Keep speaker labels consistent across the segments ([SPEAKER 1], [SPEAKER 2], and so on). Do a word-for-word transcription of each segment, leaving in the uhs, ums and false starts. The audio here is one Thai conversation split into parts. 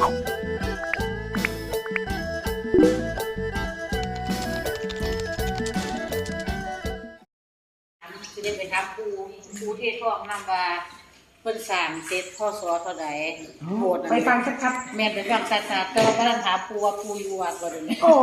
[SPEAKER 1] สิได้ไปถามปูปูเทศทองนำว่าเพิ่นสร้างเสร็จพศเท่าใดโบสถ์ไปฟังชัดๆแม่นไปฟังชัดๆแต่ว่าบ่ทันถามปูว่าปูอยู่วัดบ่เดี๋ยวนี้โอ้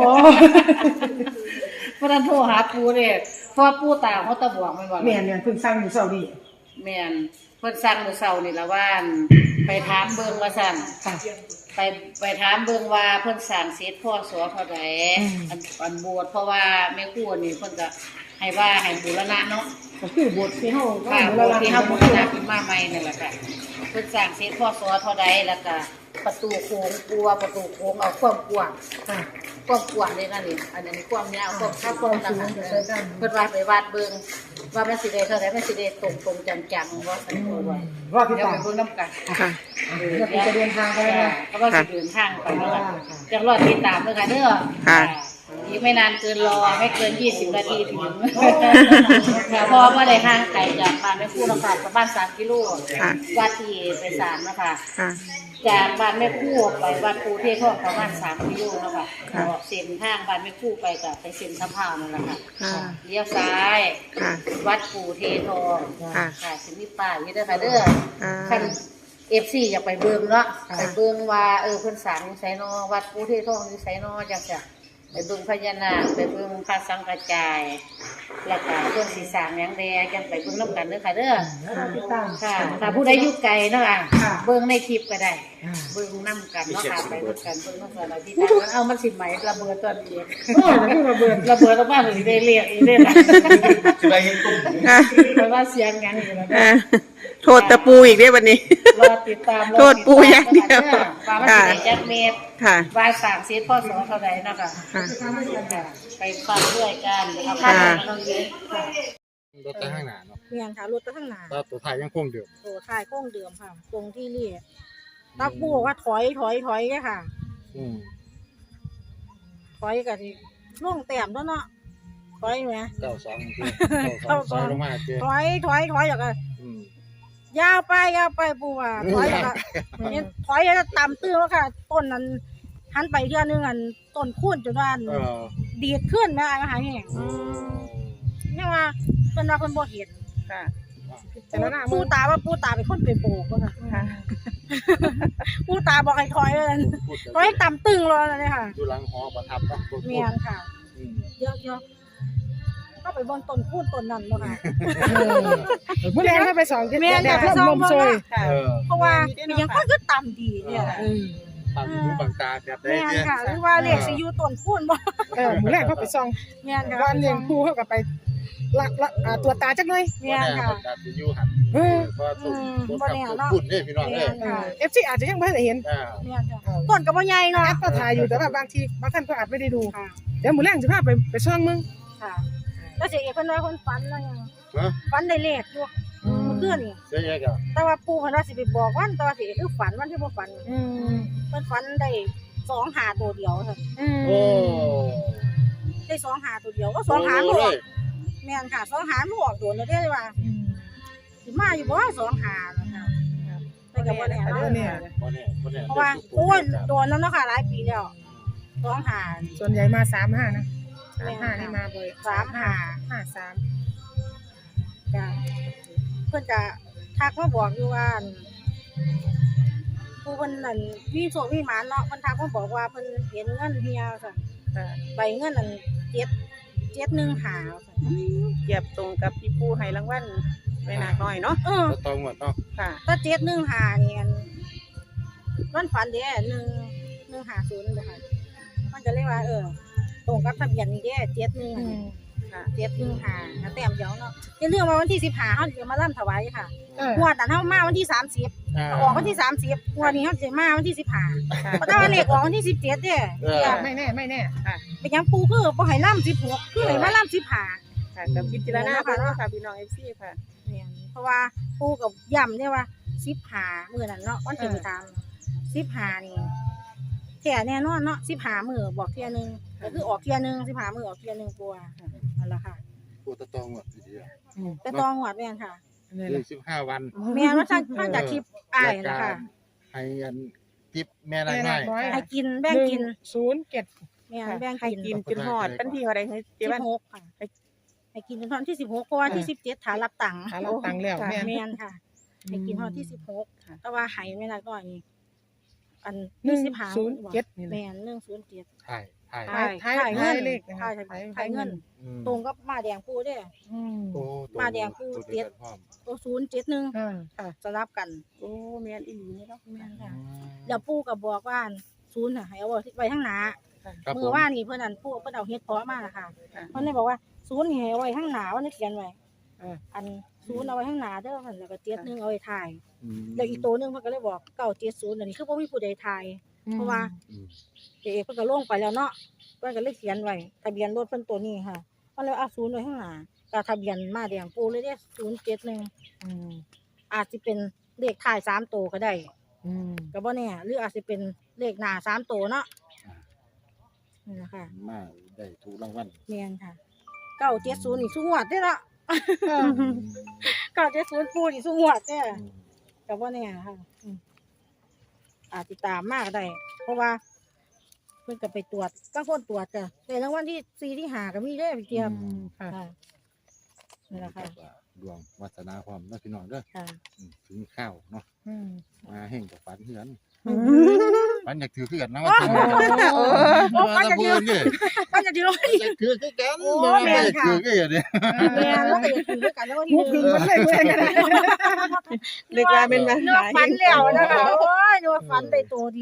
[SPEAKER 1] บ่ทันโทรหาปูเด้เพราะว่าปูตาเขาตะบวกแม่นบ่แม่นๆเพิ่นสร้างอยู่เช้านี้แม่นเพิ่นสร้างมื้อเช้านี่ล่ะว่าไปถามเบิ่งว่าซั่นไปไปถามเบิ่งว่าเพิ่นสร้างเสร็จพศเท่าใดอันอันโบสถ์เพราะว่าแม่ครูนี่เพิ่นก็ให้ว่าให้บูรณะเนาะก็คือบทที่เฮาค่ะบทที่เฮาบูรณะขึ้นมาใหม่นั่นแหละค่ะเพิ่นสร้างเสร็จพศเท่าใดแล้วก็ประตูโค้งกลัวประตูโค้งเอาความกว้างค่ะความกว้างเลยนั่นนี่อันนี้ความยาวความถ้าความสูงเพิ่นว่าไปวาดเบิ่งว่ามันสิได้เท่าใดมันสิได้ตรงๆจังๆว่าอันนี้ว่าว่าที่ตามเบิ่งนำกันค่ะเดี๋ยวจะเดินทางไปแล้วก็ว่าสิเดินทางไปแล้วจังรอติดตามเด้อค่ะเด้อค่ะอีกไม่นานเกินรอไม่เกินยี่สิบนาทีถึงค่ะเพราะว่าได้ห่างไกลจากบ้านแม่คู่นะคะประมาณสามกิโลวัดที่ไปสามนะคะจากบ้านแม่คู่ไปวัดปูเทศทองประมาณสามกิโลนะคะเส้นทางบ้านแม่คู่ไปกับไปเส้นสะพานนั่นแหละค่ะเลี้ยวซ้ายวัดปูเททองค่ะสิมีป้ายอยู่ด้วยค่ะเด้อคันเอฟซีอยากไปเบิ่งเนาะไปเบิ่งว่าเออเพิ่นสร้างอยู่ไสนอวัดปูเททองอยู่ไสนอจังซี่ไปเบิ่งพญานาคไปเบิ่งพระสังฆจายแล้วก็เพิ่นสิสร้างหยังแดจังไปเบิ่งนำกันเด้อค่ะเด้อค่ะถ้าผู้ใดอยู่ไกลเนาะอ่ะเบิ่งในคลิปก็ได้เบิ่งนำกันเนาะค่ะไปเบิ่งกันเบิ่งนำกันแล้วที่ตาเอามันสิไหมระเบิดตอนนี้โอ้ยระเบิดระเบิดออกมาสิได้เรียกอีกเด้ล่ะสิได้เห็นตุ้มเพราะว่าเสียงหยังอยู่แล้ว
[SPEAKER 2] โทษตะปูอีกได้วันนี้
[SPEAKER 1] รอติดตาม
[SPEAKER 2] โทษปูอย่างเดียว
[SPEAKER 1] ว่ามันสิได้จักเม็ดค่ะวายสามเซตพ่อสอนเท่าใดเนาะค่ะไปฟังด้วยกันเอาค่ะเราเยอะ
[SPEAKER 3] รถข้างหน้าเนาะ
[SPEAKER 4] เมียนค่ะรถข้างหน้า
[SPEAKER 3] แล้วตัวท้ายยังคงเดิม
[SPEAKER 4] ตัวท้ายคงเดิมค่ะตรงที่เรียกตักปูบอกว่าถอยถอยถอยแค่ค่ะอืมถอยกันที่ล่วงแต้มแล้วเนาะถอยไหม
[SPEAKER 3] เก้าสองเก้าสองลงมา
[SPEAKER 4] ถอยถอยถอยอย่างกันยาวไปยาวไปปูว่าถอยอย่างกันถอยจะตามตื้อแล้วค่ะต้นนั้นหันไปเทื่อนึงอันต้นคูนจนว่าดีดขึ้นนะอาหารแห้งนี่ว่าเป็นว่าคนบ่เห็นค่ะปูตาว่าปูตาเป็นคนเป็นโบกค่ะปูตาบอกให้ถอยเลยถอยต่ำตึงเลยเลยค่ะ
[SPEAKER 3] ดูหลังหอประทับนะ
[SPEAKER 4] เมียนค่ะเยอะเยอะก็ไปบนต้นคูนต้นนั้นเลยค่ะ
[SPEAKER 1] เมื่อไรก็ไปสอง
[SPEAKER 4] เมียนไปสองเพราะว่าเพราะว่ายังค่อยก็ต่ำดีเนี่ย
[SPEAKER 3] บางหูบางตาแบบได้
[SPEAKER 4] เนี่ยค่ะหรือว่าเรียกสิอยู่ต้นคูนบ่
[SPEAKER 1] เออมื้อแรกเขาไปซ่อง
[SPEAKER 4] เมียนค่ะ
[SPEAKER 1] วันเลี้ยงปูเขาก็ไปละละตัวตาจักหน่อย
[SPEAKER 4] เมียนค่ะ
[SPEAKER 3] สิอยู่หั่นเออบ่ต้นต้นคูนเด้พี่น้องเด้อ
[SPEAKER 1] เอฟ ซี อาจจะยังบ่ได้เห็น
[SPEAKER 4] เมียนค่ะต้นก็บ่ใหญ่เนาะ
[SPEAKER 1] ก็ถ่ายอยู่แต่ว่าบางทีบางท่านก็อาจไม่ได้ดูเดี๋ยวมื้อแรกสิพาไปไปซ่องมึง
[SPEAKER 4] ค่ะแล้วสิเพิ่นว่าเพิ่นฝันแล้วยังฝันได้เลขอยู่เมื่อคืนนี่
[SPEAKER 3] เสียแยกอ่ะ
[SPEAKER 4] แต่ว่าปู่เพิ่นว่าสิไปบอกวันแต่ว่าสิคือฝันวันที่บ่ฝันอืมเพิ่นฝันได้สองหาตัวเดียวค่ะอืมโอ้ได้สองหาตัวเดียวก็สองหาลูกแม่นค่ะสองหาลูกออกโดนแล้วได้ว่าอืมสิมาอยู่บ่สองหานะคะแต่ก็บ่แน่เนาะเนี่ยบ่แน่บ่แน่เพราะว่าโอ้ยโดนแล้วเนาะค่ะหลายปีแล้วสองหา
[SPEAKER 1] ส่วนใหญ่มาสามห้านะสามห้านี่มาบ่อย
[SPEAKER 4] สามห้า
[SPEAKER 1] ห้าสาม
[SPEAKER 4] จ้ะเพิ่นจะทักมาบอกอยู่ว่าผู้เพิ่นนั่นมีโชคมีหมานเนาะเพิ่นทักมาบอกว่าเพิ่นเห็นเงินเฮียซั่นใบเงินนั่นเจ็ด เจ็ดหนึ่งห้าซั่น
[SPEAKER 2] เทียบตรงกับที่ปู่ให้รางวัลไม่นานน้อยเนาะ
[SPEAKER 3] เออตรงหมดเนาะ
[SPEAKER 4] ค่ะถ้าเจ็ดหนึ่งห้านี่อันมันฝันเด้หนึ่ง หนึ่งห้าศูนย์บ่ค่ะมันจะเรียกว่าเออตรงกับทะเบียนนี่เด้เจ็ดหนึ่งค่ะเจ็ดหนึ่งห้าแต้มเดียวเนาะอย่าลืมว่าวันที่สิบห้าเฮาจะมาร่ำถวายค่ะงวดนั้นเฮามาวันที่สามสิบออกวันที่สามสิบงวดนี้เฮาสิมาวันที่สิบห้าเพราะถ้าวันเลขออกวันที่สิบเจ็ดเด้
[SPEAKER 1] ไม่แน่ไม่แน่
[SPEAKER 4] ค่ะเป็นหยังปู่คือบ่ให้ร่ำสิบหกคือให้มาร่ำสิบห้า
[SPEAKER 2] ค่ะกับพิจารณาค่ะเนาะค่ะพี่น้อง เอฟ ซี ค่ะ
[SPEAKER 4] เนี่ยเพราะว่าปู่กับย้ำเนี่ยว่าสิบห้ามื้อนั้นเนาะวันที่ตามสิบห้านี่แท้แน่นอนเนาะสิบห้ามื้อบอกเที่ยนึงก็คือออกเที่ยนึงสิบห้ามื้อออกเที่ยนึงปู่นั่นล่ะค่ะ
[SPEAKER 3] ปู่ตะตองหมดทีเดียว
[SPEAKER 4] ตะตองหวดแม่นค่ะ
[SPEAKER 3] สิบห้าวัน
[SPEAKER 4] แม่นว่าท่านท่านจากคลิปอ้ายนะคะ
[SPEAKER 3] ให้อันทิปแม่นายน้อย
[SPEAKER 4] ให้กินแบ่งกิน
[SPEAKER 5] ศูนย์เจ็ด
[SPEAKER 4] แม่นแบ่ง
[SPEAKER 2] ให้
[SPEAKER 4] กิน
[SPEAKER 2] กินจนฮอดวันที่เท่าใดเฮ้ยเจ๊
[SPEAKER 4] สิ
[SPEAKER 2] วัน
[SPEAKER 4] บหกค่ะให้กินจนวันที่สิบหกเพราะว่าที่สิบเจ็ดฐานรับตังค์
[SPEAKER 5] หาเราตังค์แล้วแม่
[SPEAKER 4] แม่นค่ะให้กินวันที่สิบหกแต่ว่าให้แม่นายน้อยนี่อัน
[SPEAKER 5] หนึ่ง
[SPEAKER 4] สิบห้า
[SPEAKER 5] ศูนย์เจ็ดนี่แหละ
[SPEAKER 4] แม่นหนึ่งศูนย์เจ็ด
[SPEAKER 3] ถ่ายถ่าย
[SPEAKER 5] ถ่ายถ่าย
[SPEAKER 4] ถ่ายเงิน
[SPEAKER 5] ถ่ายเลขนะคะ
[SPEAKER 4] ถ่าย
[SPEAKER 5] ถ่าย
[SPEAKER 4] ถ่ายเงิน
[SPEAKER 3] อืม
[SPEAKER 4] ตรงกับมาแดงปูเด้อ
[SPEAKER 5] อืม
[SPEAKER 3] โอ้ตัว
[SPEAKER 4] มาแดงคู่
[SPEAKER 3] ตัว
[SPEAKER 4] เจ็ด
[SPEAKER 3] ดียวกันพร้อม
[SPEAKER 4] ตัวศูนย์เจ็ดหนึ่ง
[SPEAKER 5] อ่าค่ะ
[SPEAKER 4] สลับกัน
[SPEAKER 2] โอ้แม่นอีหลีนี่เนาะ
[SPEAKER 4] แม่น
[SPEAKER 3] อื
[SPEAKER 4] ค่ะ
[SPEAKER 3] ม
[SPEAKER 4] แล้วปู่ก็บอกว่าศูนย์น่ะให้เอาไว้ข้างหน้า
[SPEAKER 3] ครับ
[SPEAKER 4] มื
[SPEAKER 3] ผ
[SPEAKER 4] อ
[SPEAKER 3] ม
[SPEAKER 4] ว่านนี่เพิ่นอันปู่เพิ่นเอาเฮ็ดเพาะมาน่ะค่ะเพิ่นเลยบอกว่าศูนย์นี่ให้เอาไว้ข้างหน้าว่านี่เขียนไว้
[SPEAKER 5] อ่า
[SPEAKER 4] อันศูนย์เอาไว้ข้างหน้าเด้อเพิ่นแล้วก็เจ็ดหนึ่งเอาไว้ถ่าย
[SPEAKER 3] อืม
[SPEAKER 4] แล้วอีกตัวหนึงเพิ่นก็เลยบอกเก้าเจ็ดศูนย์อันนี้คือบ่มีผู้ใดถ่ายเพราะว่า
[SPEAKER 3] อืม
[SPEAKER 4] เจ๊เพิ่นก็ลงไปแล้วเนาะเพิ่นก็เลยเขียนไว้ทะเบียนรถเพิ่นตัวนี้ค่ะเพิ่นเลยเอาศูนย์ไว้ข้างหน้าก็ทะเบียนมาแดงปู่เลยเด้ศูนย์เจ็ดหนึ่ง
[SPEAKER 5] อืม
[SPEAKER 4] อาจสิเป็นเลขท้ายสามตัวก็ได้
[SPEAKER 5] อืม
[SPEAKER 4] ก็บ่แน่หรืออาจสิเป็นเลขหน้าสามตัวเนาะนี่แหละค่ะ
[SPEAKER 3] มาได้ถูกรางวัล
[SPEAKER 4] แม่นค่ะเก้าเจ็ดศูนย์นี่สูงวดเด้อละ เก้าเจ็ดศูนย์ปูนี่สูงวดเด้อ
[SPEAKER 3] อืม
[SPEAKER 4] ก็บ่แน่ค่ะอืมอาจสิตามมากได้ เพราะว่าเพิ่นก็ไปตรวจบางคนตรวจจ้ะแต่รางวัลที่สี่ที่ห้าก็มีเด้อพี่เจี๊ยบ
[SPEAKER 5] อืมค่ะ
[SPEAKER 4] ค่ะนี่แหละค่ะ
[SPEAKER 3] ดวงวาสนาความเนาะพี่น้องเด้อ
[SPEAKER 4] ค่ะ
[SPEAKER 3] อืมถึงข้าวเนาะ
[SPEAKER 5] อืม
[SPEAKER 3] มาแห่งกับฝันเหือน
[SPEAKER 5] อืม
[SPEAKER 3] ฝันอยากถือคือกันนะว่าถือ
[SPEAKER 4] โอ้
[SPEAKER 3] มา
[SPEAKER 4] ฝัน
[SPEAKER 3] ตะ
[SPEAKER 4] อยาก
[SPEAKER 3] พู
[SPEAKER 4] ถือ
[SPEAKER 3] นนี่
[SPEAKER 4] มันจะถือว่า
[SPEAKER 3] อยากถือคือกัน
[SPEAKER 4] โอ้
[SPEAKER 3] บ่
[SPEAKER 4] แม่
[SPEAKER 3] แม่
[SPEAKER 4] น
[SPEAKER 3] อยาก
[SPEAKER 4] ค่ะ
[SPEAKER 3] ถือคืออย่างนี้
[SPEAKER 4] แม่นแล้วก็อย่าถือด้วยกันแล้วก็
[SPEAKER 5] หมูพึ่งมันเลยเพื่อนกันนะ
[SPEAKER 2] เรียกว่าเป็นมา
[SPEAKER 4] เนื้อฝันแล้วนะคะโอ้ยเนื้อฝันได้ตัวดี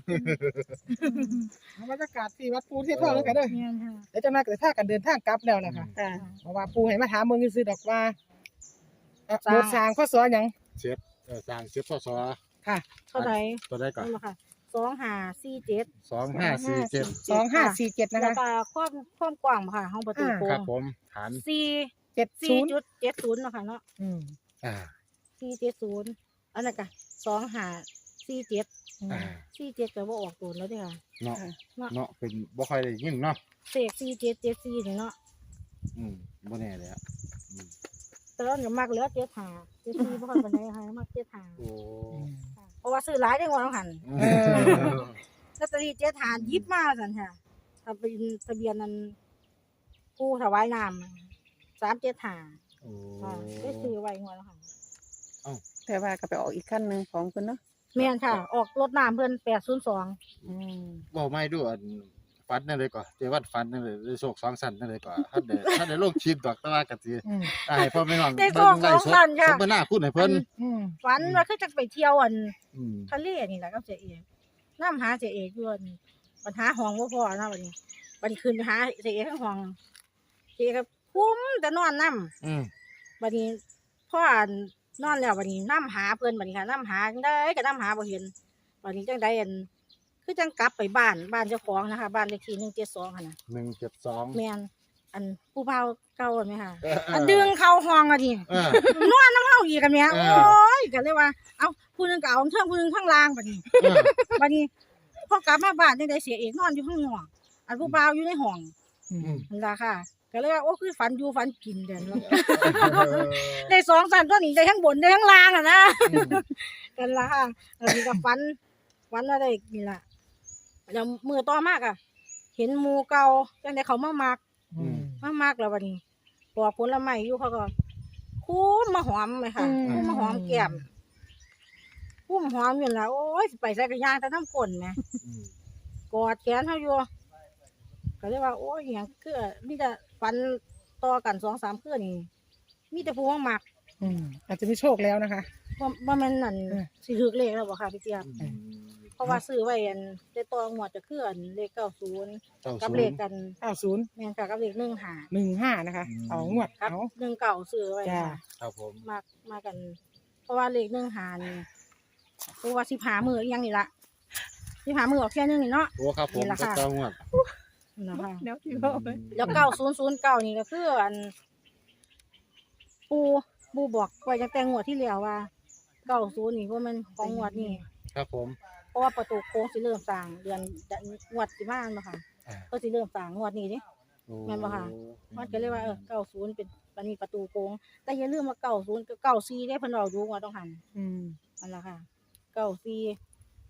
[SPEAKER 5] บรรยากาศที่วัดปูที่ทองแล้วกันเด้อ
[SPEAKER 4] แม่นค่ะ
[SPEAKER 5] เดี๋ยวจะมาเกิดท่ากันเดินทางกลับแล้วนะคะ
[SPEAKER 2] ค่ะ
[SPEAKER 5] เพราะว่าปูให้มาถามเมืองซื้อดอกว่าเอ่อ
[SPEAKER 4] สร้าง
[SPEAKER 5] โบสถ์สร้างข้อสอหยัง
[SPEAKER 3] เชฟเอ่อสร้างเชฟสอสอ
[SPEAKER 5] ค่ะ
[SPEAKER 4] เท่าไหร่
[SPEAKER 3] ตัวได้ก่อน
[SPEAKER 4] นั่นแหละค่ะสองห้าสี่เจ็ด
[SPEAKER 3] สองห้าสี่เจ็ด
[SPEAKER 5] สองห้าสี่เจ็ดนะ
[SPEAKER 4] แล้ว
[SPEAKER 5] คะ
[SPEAKER 4] ก็ความความกว้างค่ะห้องประตูโค้
[SPEAKER 3] ครับ
[SPEAKER 4] ง
[SPEAKER 3] ผมฐาน
[SPEAKER 4] สี่
[SPEAKER 5] เจ็ดศู
[SPEAKER 4] สี่
[SPEAKER 5] นย์
[SPEAKER 4] จุดเจ็ดศูนย์เนาะค่ะเนาะ
[SPEAKER 5] อืม
[SPEAKER 3] อ่า
[SPEAKER 4] สี่เจ็ดศูนย์อันนั้นก็สองห้าสี่เจ็ด
[SPEAKER 3] อ่า
[SPEAKER 4] สี่เจ็ดก็บ่ออกตัวแล้วเด้อค่ะ
[SPEAKER 3] เนาะ
[SPEAKER 4] เนาะ
[SPEAKER 3] เนาะเป็นบ่ค่อยได้ยินเนาะ
[SPEAKER 4] เสกสี่เจ็ดเจ็ดสี่นี่เนาะ
[SPEAKER 3] อืมบ่แน่เลยอ่ะอืม
[SPEAKER 4] แต่เราเนี่ยมักเหลือเจ็ดห้าเจ็ดสี่บ่ค่อยปานใดค่ะมักเจ็ดห้า
[SPEAKER 3] โอ้
[SPEAKER 4] ค่ะเพราะว่าซื้อหลายได้กว่าเราหัน
[SPEAKER 3] เออ
[SPEAKER 4] ลอตเตอรี่เจ็ดหานยิบมาสันค่ะทะเบียนทะเบียนนั้นผู้ถวายน้ำสามเจ็ดหา
[SPEAKER 3] โอ้
[SPEAKER 4] ค่ะได้ซื้อไว้งวดแล้วค่ะ
[SPEAKER 2] แต่ว่าก็ไปออกอีกขั้นหนึงของเพิ่นเนาะ
[SPEAKER 4] แม่นค่ะ ออกรถน้ำเพิ่นแปดศูนย์สอง
[SPEAKER 5] อืม
[SPEAKER 3] บ่ไม่ดูอันฟันนั่นเลยก่อนเจวัดฟันนั่นเลยได้โชคสองสันนั่นเลยก่อนท่านได้ท่านได้ลงชิมดอกแต่ว่าก็สิ
[SPEAKER 5] อืม
[SPEAKER 3] อ่าให้พ่อแม่น้อง
[SPEAKER 4] ได้
[SPEAKER 3] เบิ่
[SPEAKER 4] สอง
[SPEAKER 3] งไล่
[SPEAKER 4] สอง
[SPEAKER 3] สด
[SPEAKER 4] สันค่ะ
[SPEAKER 3] สมนาคุณให้เพิ่น
[SPEAKER 5] อืม
[SPEAKER 4] ฝันว่าคือจะไปเที่ยวอัน
[SPEAKER 3] อืม
[SPEAKER 4] ทะเลนี่แหละกับเจเอกน้ำหาเจเอกอยู่อันปัญหาห้องบ่พอนะบัดนี้บัดนี้ขึ้นไปหาเจเอกข้างห้องเจเอกก็คุ้มแต่นอนน้ำ
[SPEAKER 3] อืม
[SPEAKER 4] บัดนี้พ่ออั่นนอนแล้วบัดนี้น้ำหาเพิ่นบัดนี้ค่ะน้ำหาจังได้ก็น้ำหาบ่เห็นบัดนี้จังได้อันคือจังกลับไปบ้านบ้านเจ้าของนะคะ บ้านเลขที่หนึ่งเจ็ดสองค่ะนะ
[SPEAKER 3] หนึ่งเจ็ดสอง
[SPEAKER 4] แม่นอันผู้เฒ่าเก่าอันไหมค่ะ
[SPEAKER 3] เออเออ
[SPEAKER 4] อันดึงเข้าห้องอ่ะดิ
[SPEAKER 3] เออน
[SPEAKER 4] อนน้ำเฮาอีกกันแม่
[SPEAKER 3] เอ
[SPEAKER 4] โอ้
[SPEAKER 3] อ
[SPEAKER 4] ยก็เลยว่าเอ้าผู้หนึงก็เอาเทิงผู้หนึงข้างล่างบัดนี้
[SPEAKER 3] เออ
[SPEAKER 4] บัดนี้พอกลับมาบ้านจังได้เสียเอกนอนอยู่ข้างนอกอันผู้บ่าวอยู่ในห้อง
[SPEAKER 5] อื
[SPEAKER 3] อื
[SPEAKER 5] ม
[SPEAKER 3] ม
[SPEAKER 4] นั่นล่ะค่ะ ก็เลยว่าโอ้คือฝันอยู่ฝันกินเด่น ได้สองสันตัวนี้ได้ทั้งบนได้ทั้งล่างอ่ะนะ
[SPEAKER 3] อืม
[SPEAKER 4] กันละค่ะอันนี้ก็ฟันฟันอะไรนี่ล่ะแล้วมือต่อมากอ่ะ เห็นหมูเก่าจังไดเขามามัก
[SPEAKER 5] อืม
[SPEAKER 4] มามากแล้ววันนี้ปอกผลไม้อยู่เขาก็คุ้มมาหอมไหมค่ะ
[SPEAKER 5] อืม
[SPEAKER 4] คุ้มมาหอมแก้มคุ้มหอมอยู่แล้วโอ้ยสิไปใส่กระยางแต่น้ำก้นไหม
[SPEAKER 3] อืม
[SPEAKER 4] กอดแขนเขาอยู่ก็เลยว่าโอ้ยอหย่างคือมีแต่ฟันต่อกันสองสามเครือนี่มีแต่ผู้มามัก
[SPEAKER 5] อืมอาจจะมีโชคแล้วนะคะ
[SPEAKER 4] ว่าว่ามันนั่น
[SPEAKER 5] เออ
[SPEAKER 4] สิถือเลขแล้วบ่ค่ะพี่เจี๊ยบ
[SPEAKER 3] อืม
[SPEAKER 4] เพราะว่าซื้อไว้อันได้ตองหมวดจะเคลื่อนเลขเก้าศูนย์
[SPEAKER 3] เก้า
[SPEAKER 4] กับ
[SPEAKER 3] ศู
[SPEAKER 4] เล
[SPEAKER 3] น
[SPEAKER 4] ข
[SPEAKER 3] ย์
[SPEAKER 4] กัน
[SPEAKER 5] เก้าศูนย์
[SPEAKER 4] แม่นค่ะกับเลขหนึ่งหา
[SPEAKER 5] หนึ่งห้านะคะ
[SPEAKER 3] อืม
[SPEAKER 5] เอางวด
[SPEAKER 4] ครับ
[SPEAKER 5] เอา
[SPEAKER 4] หนึ่งเก่าซื้อไว้
[SPEAKER 5] จ้า
[SPEAKER 4] ค่ะ
[SPEAKER 3] ครับผม
[SPEAKER 4] มากมากัน เพราะว่าเลขหนึ่งหานี่เพราะว่าสิบหามืออีกอยังนี่ละสิบหามือออกแค่นึงนี่เนาะ
[SPEAKER 3] โอ้ครับผม
[SPEAKER 4] นี่ล่ะ
[SPEAKER 3] ก็
[SPEAKER 4] ค่ะ
[SPEAKER 3] ต้องงวด
[SPEAKER 4] นั่นล่ะค่ะ
[SPEAKER 2] เดี๋ยวที่พ่อไป
[SPEAKER 4] แล้วเก้าศูนย์ศูนย์เก้านี่ก็คืออัน ปูปูบอกไว้ตั้งแต่งวดที่แล้วว่าเก้าศูนย์นี่ว่ามันของงวดนี่
[SPEAKER 3] ครับผม
[SPEAKER 4] เพราะว่าประตูโค้งสิเริ่มสร้างเดือนงวดสิมาบ่ค่ะ
[SPEAKER 3] อ่า
[SPEAKER 4] ก็สิเริ่มสร้างงวดนี้เดิ
[SPEAKER 3] โอ้
[SPEAKER 4] แม่นบ่ค่ะ มันก็เลยว่าเออเก้าศูนย์เป็นปานนี้ประตูโค้งแต่อย่าลืมว่าเก้าศูนย์กับเก้าสี่ได้เพิ่นเอาอยู่ว่าต้องหัน
[SPEAKER 5] อืม
[SPEAKER 4] นั่นล่ะค่ะเก้าสี่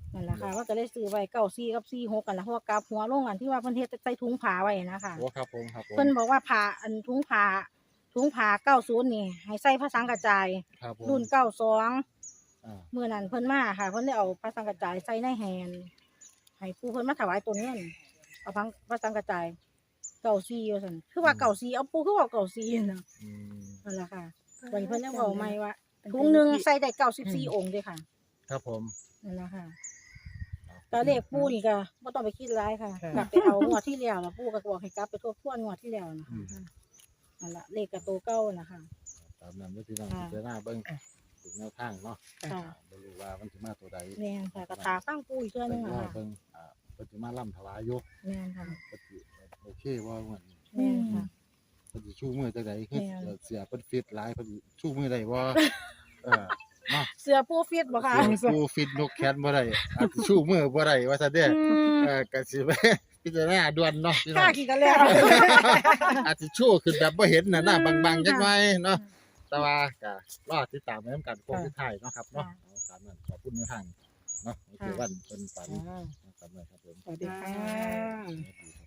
[SPEAKER 4] นั่นแหละค่ะว่าก็เลยซื้อไว้เก้าสี่กับสี่หกกันละเพราะว่ากลับหัวลงอันที่ว่าเพิ่นเฮ็ดใส่ถุงผ้าไว้นะคะ
[SPEAKER 3] โอ้ครับผมครับผม
[SPEAKER 4] เพิ่นบอกว่าผ้าอันถุงผ้าถุงผ้าเก้าศูนย์นี่ให้ใส่ผ้าสังกระจาย
[SPEAKER 3] ครับผม
[SPEAKER 4] รุ่นเก้าสอง
[SPEAKER 3] อ่า
[SPEAKER 4] เมื่อนั้นเพิ่นมาค่ะเพิ่นได้เอาผ้าสังกระจายใส่ในแฮนให้ผู้เพิ่นมาถวายตัวเงินเอาพังผ้าสังกระจายเก้าสี่ว่าซั่นคือว่าเก้าสี่เอาปูคือว่าเก้าสี่น่ะ
[SPEAKER 3] อืม
[SPEAKER 4] นั่นล่ะค่ะวันนี้เพิ่นยังบอกใหม่ว่าถุงหนึงใส่ได้เก้าสิบสี่องค์เด้ค่ะ
[SPEAKER 3] ครับผม
[SPEAKER 4] นั่นล่ะค่ะก็เลขปูนี่ก็บ่ต้องไปคิดหลายค่ะกลับไปเอางวดที่แล้วน่ะปูก็บอกให้กลับไปทบทวนงวดที่แล้วนะ
[SPEAKER 3] อืม
[SPEAKER 4] นั่นล่ะเลขก็โตเก่าน่ะค่ะ
[SPEAKER 3] ตามนั้นเด้อพี่น้อง
[SPEAKER 4] ค่ะ
[SPEAKER 3] พิจารณาเบิ่งถึงแนวทางเนาะ
[SPEAKER 4] ค่ะ
[SPEAKER 3] บ่รู้ว่ามันสิมาตัวใด
[SPEAKER 4] แม่นค่ะก็ถาฟังปูอีกเทื่อนึง
[SPEAKER 3] แต่
[SPEAKER 4] อะ
[SPEAKER 3] ว่า
[SPEAKER 4] ค่ะ
[SPEAKER 3] เบิ่งอ่าเพิ่นสิมาล่ำถวายอยู่
[SPEAKER 4] แม่นค่ะ
[SPEAKER 3] เพิ่นสิโอเคบ่เหมือน
[SPEAKER 4] แม่นค่ะ
[SPEAKER 3] เพิ่นสิชูมือจังได๋คือ
[SPEAKER 4] แม่น
[SPEAKER 3] เสียเพิ่นฟิตหลายเพิ่นสิชูมือได้บ่เออเนาะ
[SPEAKER 4] เสือปูฟิตบ่ค่ะ
[SPEAKER 3] เสียผู้ฟิตนกแขนบ่ได้อาจสิชูมือบ่ได้ว่าซั่นเด้
[SPEAKER 4] อืม
[SPEAKER 3] เออก็สิไปพิจารณาด่วนเนาะพี่น้
[SPEAKER 4] ค่า
[SPEAKER 3] อง
[SPEAKER 4] กี่กันแล้ว
[SPEAKER 3] อาจสิชูขึ้นแบบบ่เห็นน่ะหน้า
[SPEAKER 4] อืม
[SPEAKER 3] บางๆจักหน่อยเนาะ
[SPEAKER 4] ค่ะ
[SPEAKER 3] แต่ว่าก็รอติดตามไว้นํกันโค้งสุดท้ายเนาะครับเนาะ
[SPEAKER 4] ค่ะ
[SPEAKER 3] เอาตามนั้นขอบคุณในทางเนาะโอเควันเพิ่นฝันนะครับครับผม
[SPEAKER 5] สวัสดีค่ะ
[SPEAKER 3] สวัสดี